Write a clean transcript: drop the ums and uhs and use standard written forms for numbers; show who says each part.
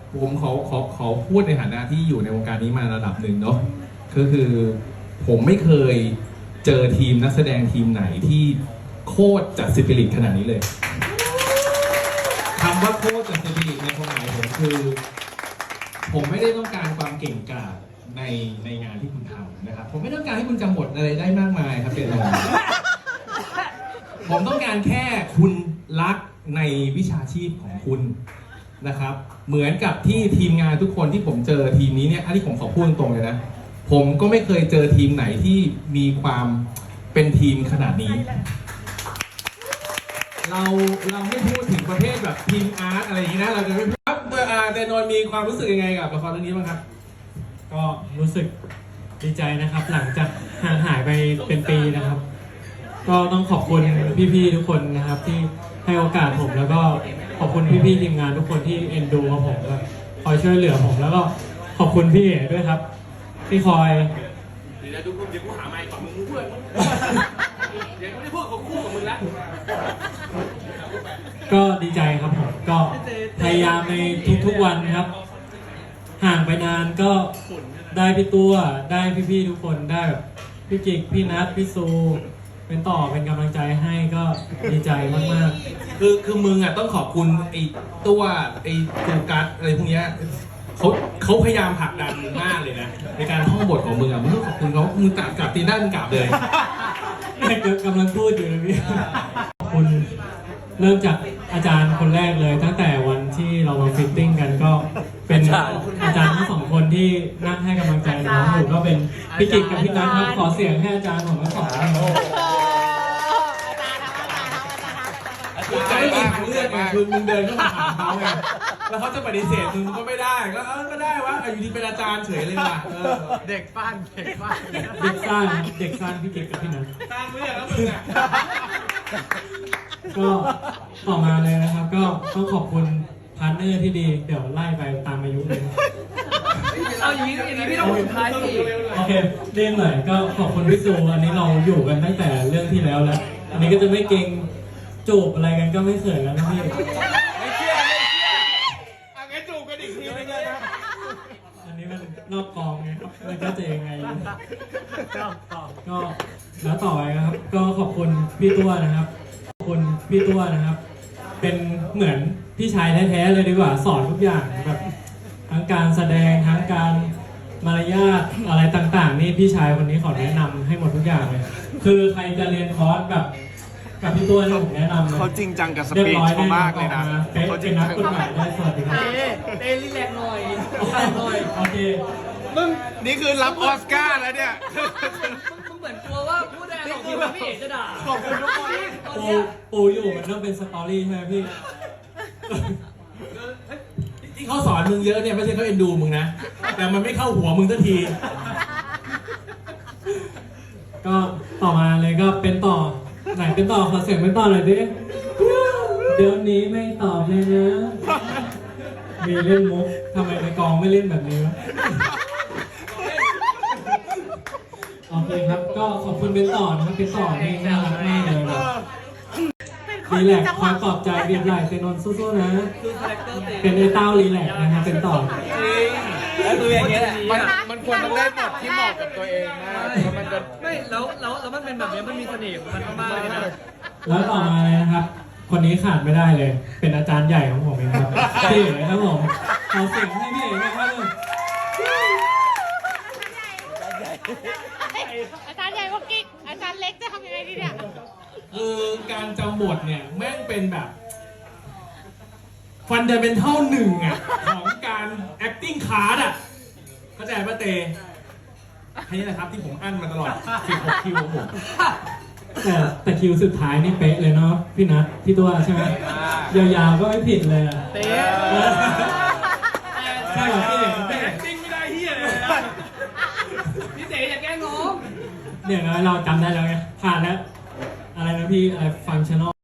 Speaker 1: ผมขอพูดในฐานะที่อยู่ในวงการนี้มาระดับหนึ่งเนาะก็คือผมไม่เคยเจอทีมนักแสดงทีมไหนที่โคตรจัดสปิริตขนาดนี้เลยคำว่าโคตรจัดสปิริตในความหมายผมคือ ผมไม่ได้ต้องการความเก่งกาจในงานที่คุณทำนะครับผมไม่ต้องการให้คุณจำบทอะไรได้มากมายครับเจนผมต้องการแค่คุณรักในวิชาชีพของคุณนะครับเหมือนกับที่ทีมงานทุกคนที่ผมเจอทีมนี้เนี่ยอันนี้ผมขอพูดตรงๆเลยนะผมก็ไม่เคยเจอทีมไหนที่มีความเป็นทีมขนาดนี้เราไม่พูดถึงประเภทแบบทีมอาร์ตอะไรอย่างนี้นะเราจะไม่ครับเจนนท์มีความรู้สึกยังไงกับละครเรื่องนี้บ้างครับ
Speaker 2: ก็รู้สึกดีใจนะครับหลังจากห่างหายไปเป็นปีนะครับ ก็ต้องขอบคุณพี่ๆทุกคนนะครับที่ให้โอกาสผมแล้วก็ขอบคุณพี่ๆทีมงานทุกคนที่เอ็นดูกับผมและคอยช่วยเหลือผมแล้วก็ขอบคุณพี่เอ๋ด้วยครับที่คอย
Speaker 1: เดี๋ยวกูหาไมค์ก่อนมึงพูดเดี๋ยวกูจะพูดกับคู่กับมึงละ
Speaker 2: ก็ดีใจครับผมก็พยายามในทุกๆวันนะครับห่างไปนานก็ได้พี่ตัวได้พี่ๆทุกคนได้แบบพี่กิกพี่นัทพี่ซูเป็นต่อเป็นกำลังใจให้ก็ดีใจมาก
Speaker 1: ๆคือมึงอ่ะต้องขอบคุณไอ้ตัวไอ้ตูกัสอะไรพวกนี้เขาพยายามผลักดันมากเลยนะในการท่องบทของมึงอ่ะมึงต้องขอบคุณเขามึงกลับตีหน้ามึงกลับเลย
Speaker 2: กำลังพูดอยู่เลยพี่ขอบคุณเริ่มจากอาจารย์คนแรกเลยตั้งแต่วันที่เรามาฟิตติ้งกันก็เป็นอาจารย์ทั้งสองคนที่นั่งให้กำลังใจน้องอยู่ก็เป็นพี่กิกกับพี่นัทครับขอเสียงให้อาจารย์ผมทั้งสองท่าน
Speaker 1: จะไม่มีทางเลือกไงคือมึงเดินเข้ามาหาเขาไงแล้วเขาจะปฏิเสธมึงก็ไม่ได้ก็ได้วะอยู่ดีเป็นอาจารย์เฉยเลยว่ะ
Speaker 3: เด็กปั้น
Speaker 2: เด็กสร้างพี่กิกกับพี่นัท
Speaker 1: สร้างเรื่องแล้วมึงอ่ะ
Speaker 2: ก็ต่อมาเลยนะครับก็ต้องขอบคุณพาร์ทเนอร์ที่ดีเดี๋ยวไล่ไปตามอายุเลย
Speaker 3: เอาอย่างนี้พี่ต้องสุดท้ายสิ
Speaker 2: โอเคเรียนหน่อยก็ขอบคุณพี่ซูอันนี้เราอยู่กันตั้งแต่เรื่องที่แล้วอันนี้ก็จะไม่เก่งจูบอะไรกันก็ไม่เขินแล้วนะพี่
Speaker 1: ไม่เชื่องั้นจูบกันอีกทีนึงเลยนะ
Speaker 2: อันนี้มันนอกกองไงมันก็จะยังไงก็แล้วต่อไปครับก็ขอบคุณพี่ตัวนะครับขอบคุณพี่ตัวนะครับเป็นเหมือนพี่ชายแท้ๆเลยดีกว่าสอนทุกอย่างแบบทั้งการแสดงทั้งการมารยาทอะไรต่างๆนี่พี่ชายคนนี้ขอแนะนำให้หมดทุกอย่างเลยคือใครจะเรียนคอร์สกับพี่ตัวผมแนะนำ
Speaker 3: เขาจริงจังกับสปีดเขามากเลยนะ
Speaker 2: เขาจริงนักกฎหมายได้สวัสดีครับ
Speaker 3: เต้รีแลกหน่อย
Speaker 2: โอเค
Speaker 3: มึงนี่คือรับออสการ์แล้วเนี่ย
Speaker 4: มึงเหมือนกลัวว่าพูดอะไรของพี่เอ๋จะด่า
Speaker 3: ขอบคุณทุกคน
Speaker 2: ปูอยู่มันต้องเป็นสตอรี่ใช่ไหมพี่
Speaker 1: ที่เขาสอนมึงเยอะเนี่ยไม่ใช่เขาเอ็นดูมึงนะแต่มันไม่เข้าหัวมึงสักที
Speaker 2: ก็ต่อมาเลยก็เป็นต่อไหนเป็นต่อขอเสียงเป็นต่อหน่อยดิเดี๋ยวนี้ไม่ตอบเลยนะมีเล่นมุกทำไมในกองไม่เล่นแบบนี้วะโอเคครับก็ขอบคุณเป็นต่อนะครับเป็นต่อนี่น่ารักมากเลยรีแลกคอยปลอบใจเรียบร้อยเซนนสู้ๆนะเป็นไอ้เต้ารีแลกนะครับเป็นต่อ
Speaker 3: แล้วคืออย่างเงี้ยแหละมันควรต้องได้บทที่เหมาะกับตัวเองนะมันจะ
Speaker 4: ไม่แล้วมันเป็นแบบนี้มันมีเสน่ห์มันมากเลยนะ
Speaker 2: แล้วต่อมาเลยนะครับคนนี้ขาดไม่ได้เลยเป็นอาจารย์ใหญ่ของผมเองครับพี่เอ๋ครับผมขอเสียงให้พี่เอ๋นะครับ
Speaker 5: อาจารย์ใหญ่ว่ากิ๊กอาจารย์เล็กจะทำยังไงดีเนี่ย
Speaker 1: คือการจำบทเนี่ยแม่งเป็นแบบฟันเดเมนทัลหนึ่งอ่ะของการ acting card อ่ะเข้าใจป่ะเตให้นี่นะครับที่ผมอั้นมาตลอด16คิวของผม
Speaker 2: แต่คิวสุดท้ายนี่เป๊ะเลยเนาะพี่นัทพี่ตัวใช่ไหมยาวๆก็ไม่ผิดเลยอ่ะ
Speaker 4: เต
Speaker 2: ใช่เหรอพี่เอ๋
Speaker 1: แต่ acting ไม่ได้เฮียเลย
Speaker 4: พี่เต๋อย่าแกล้งน้อง
Speaker 2: เนี่ยเราจำได้แล้วไงผ่านแล้วอะไรนะพี่อะไรฟังชั่นอล